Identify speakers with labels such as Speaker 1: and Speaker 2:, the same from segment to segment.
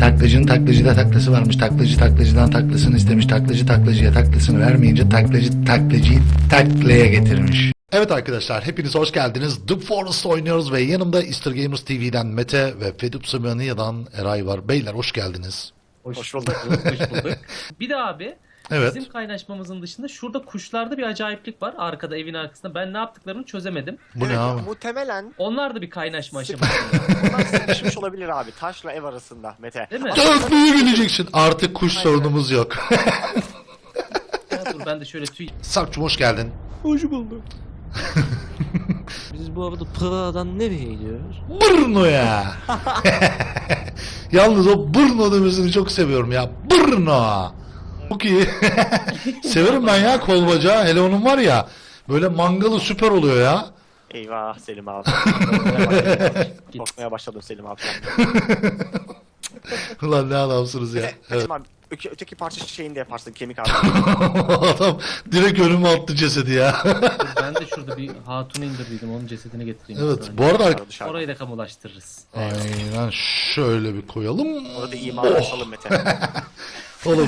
Speaker 1: Taklacının taklacıda taklası varmış. Taklacı taklacıdan taklasını istemiş. Taklacı taklacıya taklasını vermeyince taklacı taklacıyı taklaya getirmiş. Evet arkadaşlar, hepiniz hoş geldiniz. The Forest oynuyoruz ve yanımda Easter Gamers TV'den Mete ve Fedup Simonia'dan Eray var. Beyler hoş geldiniz.
Speaker 2: Hoş bulduk. Hoş bulduk. Bir de abi
Speaker 1: Evet.
Speaker 2: bizim kaynaşmamızın dışında şurada kuşlarda bir acayiplik var. Arkada, evin arkasında. Ben ne yaptıklarını çözemedim.
Speaker 1: Bu ne abi?
Speaker 3: Muhtemelen
Speaker 2: Onlar da bir kaynaşma aşamasında.
Speaker 3: bunlar sıkışmış olabilir abi. Taşla ev arasında Mete.
Speaker 2: Değil mi?
Speaker 1: Dörtlüğü geleceksin. Artık kuş sorunumuz yok.
Speaker 2: Ya dur ben de şöyle tüy...
Speaker 1: Sarp'cum hoş geldin.
Speaker 4: Hoş bulduk. Biz bu arada Praga'dan nereye gidiyoruz?
Speaker 1: Brno'ya. Yalnız o Brno demesini çok seviyorum ya. Brno. Çok iyi. Severim ben ya kol bacağı. Hele onun var ya. Böyle mangalı süper oluyor ya.
Speaker 3: Eyvah Selim abi. Korkmaya başladım Selim abi.
Speaker 1: Ulan ne adamsınız ya.
Speaker 3: Mete,
Speaker 1: Evet.
Speaker 3: Selim abi, öteki parça şeyini de yaparsın kemik abi.
Speaker 1: Adam direkt önüme attı cesedi ya.
Speaker 2: Dur, ben de şurada bir hatunu indirdiydim. Onun cesedini getireyim.
Speaker 1: Evet
Speaker 2: bir saniye.
Speaker 1: bu arada
Speaker 3: Dışarıda.
Speaker 2: Orayı da kamulaştırırız.
Speaker 1: aynen şöyle bir koyalım.
Speaker 3: Orada imanı açalım Mete.
Speaker 1: Oğlum.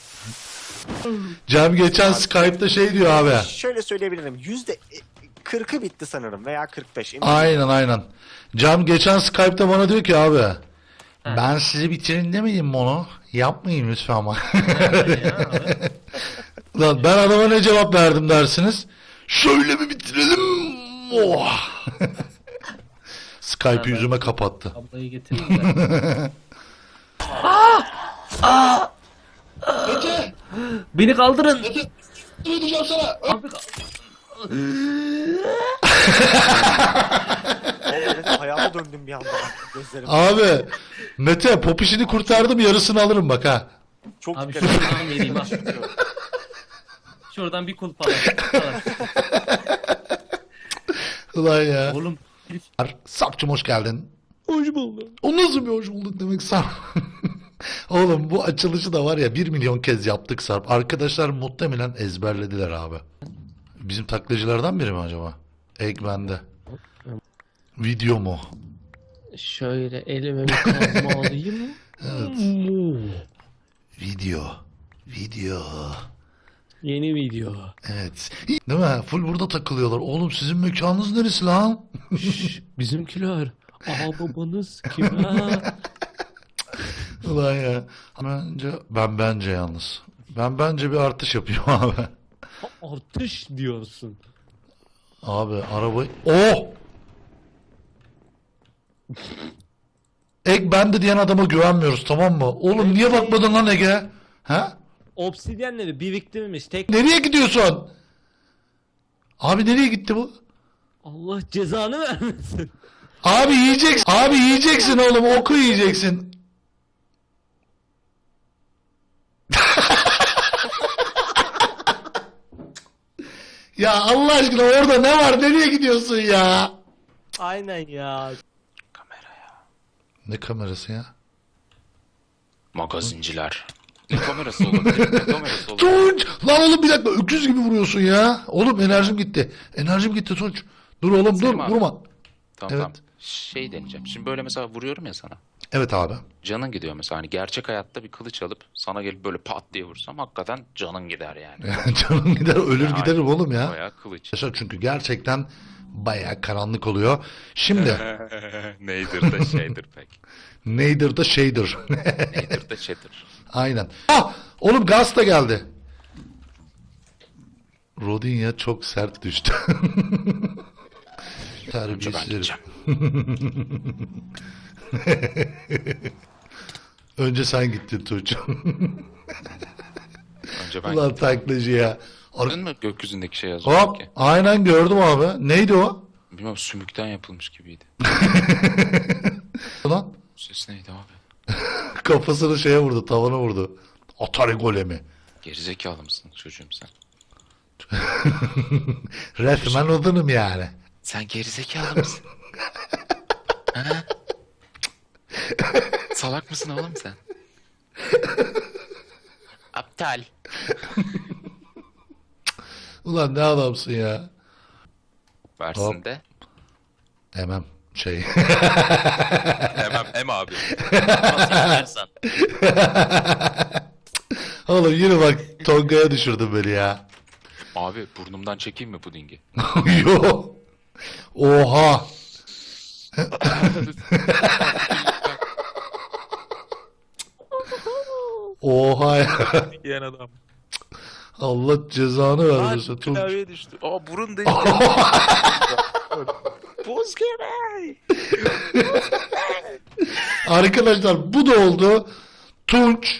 Speaker 1: Cem geçen Skype'da şey diyor abi.
Speaker 3: Şöyle söyleyebilirim. %40'ı bitti sanırım veya 45.
Speaker 1: Aynen. Cem geçen Skype'da bana diyor ki abi. Ben sizi bitirin demedim mi onu? Yapmayın lütfen ama. Lan ben adama ne cevap verdim dersiniz? Şöyle bir bitirelim. Oh. Skype'ı yüzüme kapattı.
Speaker 2: Ablayı getireyim de.
Speaker 1: Mete!
Speaker 2: Beni kaldırın.
Speaker 1: Mete! Ne diyeceğim sana?
Speaker 2: Abi,
Speaker 3: Mete hayata döndüm bir anda. Gözlerim.
Speaker 1: Abi Mete pop işini kurtardım, yarısını alırım bak ha.
Speaker 3: Çok
Speaker 2: abi
Speaker 3: dikkat
Speaker 2: şuradan vereyim ha. Şuradan bir kulp alalım.
Speaker 1: Ulan ya.
Speaker 2: Oğlum.
Speaker 1: Sapçım hoş geldin.
Speaker 4: Hoş bulduk.
Speaker 1: O nasıl bir hoş bulduk demek Sarp. Oğlum bu açılışı da var ya 1 milyon kez yaptık Sarp. Arkadaşlar muhtemelen ezberlediler abi. Bizim taklacılardan biri mi acaba? Eggman'de. Video mu?
Speaker 4: Şöyle elime bir kazma alayım.
Speaker 1: Evet. Video.
Speaker 4: Yeni video.
Speaker 1: Evet. Değil mi? Full burada takılıyorlar. Oğlum sizin mekanınız neresi lan?
Speaker 4: Şşş, bizimkiler. Aa babanız kim ha?
Speaker 1: Ulan ya. Bence yalnız. Bence bir artış yapıyor abi.
Speaker 4: Artış diyorsun.
Speaker 1: Abi arabayı... Oh! Egg bende diyen adama güvenmiyoruz, tamam mı? Oğlum niye bakmadın lan Egge? Ha?
Speaker 4: Obsidyenleri biriktirmiş. Tek
Speaker 1: Nereye gidiyorsun? Abi nereye gitti bu?
Speaker 4: Allah cezanı vermesin.
Speaker 1: Abi yiyeceksin. Abi yiyeceksin oğlum. Oku yiyeceksin. Ya Allah aşkına orada ne var? Nereye gidiyorsun ya?
Speaker 4: Aynen ya.
Speaker 1: Ne kamerası ya?
Speaker 5: Magazinciler. Ne kamerası olabilir? Ne kamerası olabilir?
Speaker 1: Tunç! Lan oğlum bir dakika öküz gibi vuruyorsun ya. Oğlum enerjim gitti. Enerjim gitti Tunç. Dur oğlum dur
Speaker 5: Selim abi.
Speaker 1: vurma.
Speaker 5: Tamam
Speaker 1: Evet.
Speaker 5: tamam. Şey deneyeceğim. Şimdi böyle mesela vuruyorum ya sana.
Speaker 1: Evet abi.
Speaker 5: Canın gidiyor mesela. Hani gerçek hayatta bir kılıç alıp sana gelip böyle pat diye vursam hakikaten canın gider yani.
Speaker 1: Canım gider ölür
Speaker 5: Yani
Speaker 1: giderim oğlum ya.
Speaker 5: Bayağı kılıç.
Speaker 1: Arkadaşlar çünkü gerçekten bayağı karanlık oluyor. Şimdi
Speaker 5: Neydir de şeydir pek.
Speaker 1: neydir da şeydir.
Speaker 5: Neydir de şeydir.
Speaker 1: Aynen. Ah! Oğlum gaz da geldi. Rodinya çok sert düştü.
Speaker 5: Önce ben
Speaker 1: Terbiyesiz.
Speaker 5: gideceğim.
Speaker 1: Önce sen gittin Tuğçe.
Speaker 5: Önce ben
Speaker 1: Ulan taklacı ya.
Speaker 5: Gördün mü gökyüzündeki şey yazıyor
Speaker 1: Hop
Speaker 5: ki?
Speaker 1: aynen gördüm abi. Neydi o?
Speaker 5: Bilmem sümükten yapılmış gibiydi.
Speaker 1: Ulan
Speaker 5: Bu ses neydi abi?
Speaker 1: kafasını şeye vurdu, tavana vurdu. Atari golemi.
Speaker 5: Gerizekalı mısın çocuğum sen?
Speaker 1: Resmen odunum yani.
Speaker 5: Sen gerizekalı mısın? Ha? Salak mısın oğlum sen? Aptal.
Speaker 1: Ulan ne adamsın ya.
Speaker 5: Versin de.
Speaker 1: Hemen. şey.
Speaker 5: Em abi. Nasıl istersen.
Speaker 1: Oğlum yine bak Tonga'ya düşürdün beni ya.
Speaker 5: Abi burnumdan çekeyim mi pudingi?
Speaker 1: Yo. Oha. Oha ya.
Speaker 5: Yiyen adam.
Speaker 1: Allah cezanı vermesin. Tunç.
Speaker 5: Klavyeye düştü. Aa burun değil. Buz gibi.
Speaker 1: Arkadaşlar bu da oldu. Tunç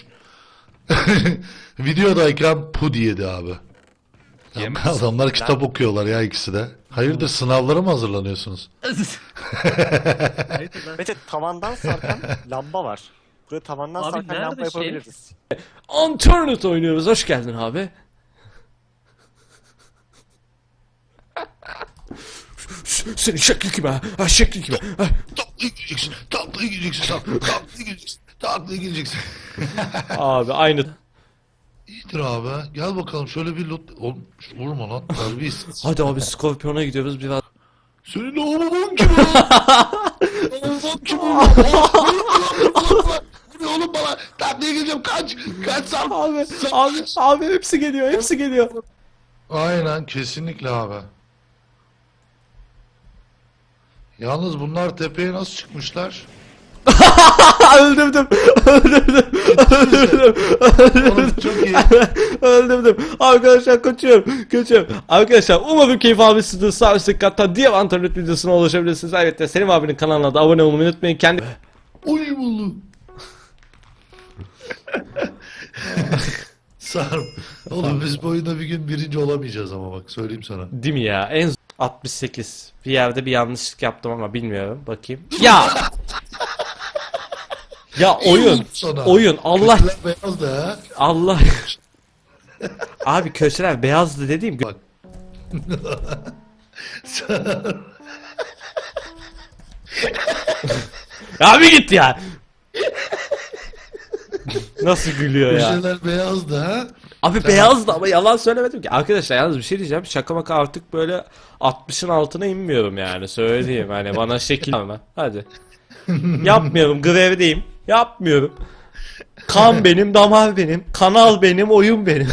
Speaker 1: videodayken pudi yedi abi. Ya,
Speaker 5: Yemez.
Speaker 1: adamlar kitap okuyorlar ya ikisi de. Hayırdır sınavlara mı hazırlanıyorsunuz?
Speaker 2: Hayır, ben-
Speaker 3: Mete tavandan sarkan lamba var. Buraya tavandan
Speaker 2: Abi
Speaker 3: sarkan
Speaker 2: nerede
Speaker 3: lamba
Speaker 2: şey?
Speaker 3: yapabiliriz.
Speaker 4: Unturned oynuyoruz. Hoş geldin abi. Senin şekli kime? Ha şekli kime? Ha.
Speaker 1: Taklaya gireceksin, taklaya gireceksin, taklaya gireceksin, taklaya gireceksin.
Speaker 4: Abi aynı.
Speaker 1: İyidir abi. Gel bakalım şöyle bir lot... Oğlum vurma lan. Terbiyesiz.
Speaker 4: Hadi abi Scorpion'a gidiyoruz biraz.
Speaker 1: Senin o babam kim lan? Babam kim lan? Bu ne oğlum bana? Taklaya gireceğim kaç. Kaç Sarp.
Speaker 4: Abi hepsi geliyor, hepsi geliyor.
Speaker 1: Aynen kesinlikle abi. Yalnız bunlar tepeye nasıl çıkmışlar?
Speaker 4: Öldürdüm.
Speaker 1: Oğlum çok iyi.
Speaker 4: Öldürdüm. Arkadaşlar kaçıyorum. Arkadaşlar umarım keyif almışsınızdır. Sağ üstteki katta diğer internet videosuna ulaşabilirsiniz. Ayrıca Selim abinin kanalına da abone olmayı unutmayın. Kendi...
Speaker 1: Oy buldum. Sarp. Oğlum biz bu oyunda bir gün birinci olamayacağız ama bak söyleyeyim sana.
Speaker 4: Değil mi ya? En 68. Bir yerde bir yanlışlık yaptım ama bilmiyorum. Bakayım. Ya! Ya
Speaker 1: İyi
Speaker 4: oyun.
Speaker 1: oldu sana.
Speaker 4: Oyun. Allah.
Speaker 1: Köşeler beyaz da ha.
Speaker 4: Allah. Abi köşeler beyazdı dediğim.
Speaker 1: Bak. Sarp.
Speaker 4: Abi git ya. Nasıl gülüyor ya?
Speaker 1: Köşeler beyaz da ha.
Speaker 4: Abi beyazdı ama yalan söylemedim ki. Arkadaşlar yalnız bir şey diyeceğim. Şaka maka artık böyle 60'ın altına inmiyorum yani. Söyleyeyim hani bana şekil ama. Hadi. Yapmıyorum. Grevdeyim. Yapmıyorum. Kan benim, damar benim, kanal benim, oyun benim.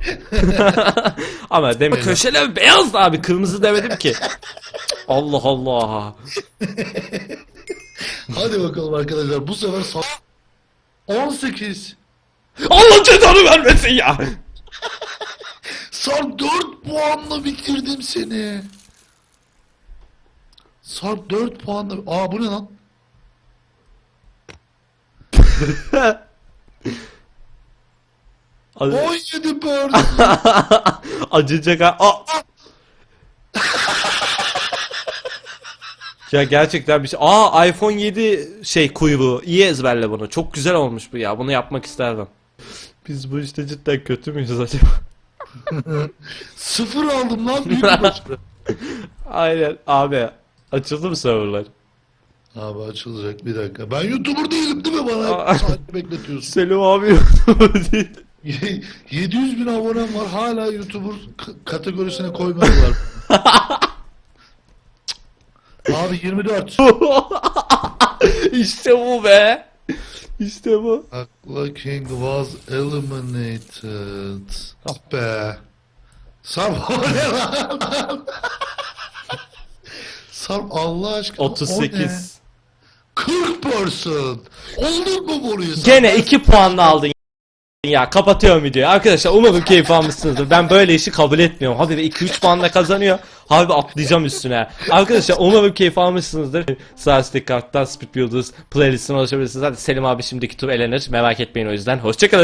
Speaker 4: Ama demek köşeler beyazdı abi. Kırmızı demedim ki. Allah Allah.
Speaker 1: Hadi bakalım arkadaşlar bu sefer 18.
Speaker 4: Allah cezanı vermesin ya.
Speaker 1: Sarp 4 puanla bitirdim seni. Sarp 4 puanla... Aa bu ne lan?
Speaker 4: Hadi.
Speaker 1: 17 bird.
Speaker 4: Acıyacak ha. Aa! Ya gerçekten bir şey. Aa iPhone 7 şey kuyruğu. İyi ezberle bunu. Çok güzel olmuş bu ya. Bunu yapmak isterdim. Biz bu işte cidden kötü müyüz acaba?
Speaker 1: 0 aldım lan büyük bir başarı.
Speaker 4: Aynen abi. Açıldı mı serverlar?
Speaker 1: Abi açılacak bir dakika. Ben YouTuber değilim değil mi bana?
Speaker 4: Aa.
Speaker 1: Hep saat bekletiyorsun.
Speaker 4: Selim abi değil.
Speaker 1: 700 bin abonem var hala YouTuber kategorisine koymadılar. Abi 24.
Speaker 4: İşte bu be. İşte bu.
Speaker 1: Akla King was eliminated. Ah be. Sarp o ne lan? Sarp Allah aşkına o ne?
Speaker 4: 38.
Speaker 1: 40%. Oldun mu burayı?
Speaker 4: Gene 2 puanla aldın ya. Kapatıyorum videoyu. Arkadaşlar umarım keyif almışsınızdır. Ben böyle işi kabul etmiyorum. Abi 2-3 puanla kazanıyor. Abi atlayacağım üstüne. Arkadaşlar umarım keyif almışsınızdır. Sağ üstteki karttan Speed Builders playlistine ulaşabilirsiniz. Hadi Selim abi şimdiki tur elenir. Merak etmeyin o yüzden. Hoşçakalın.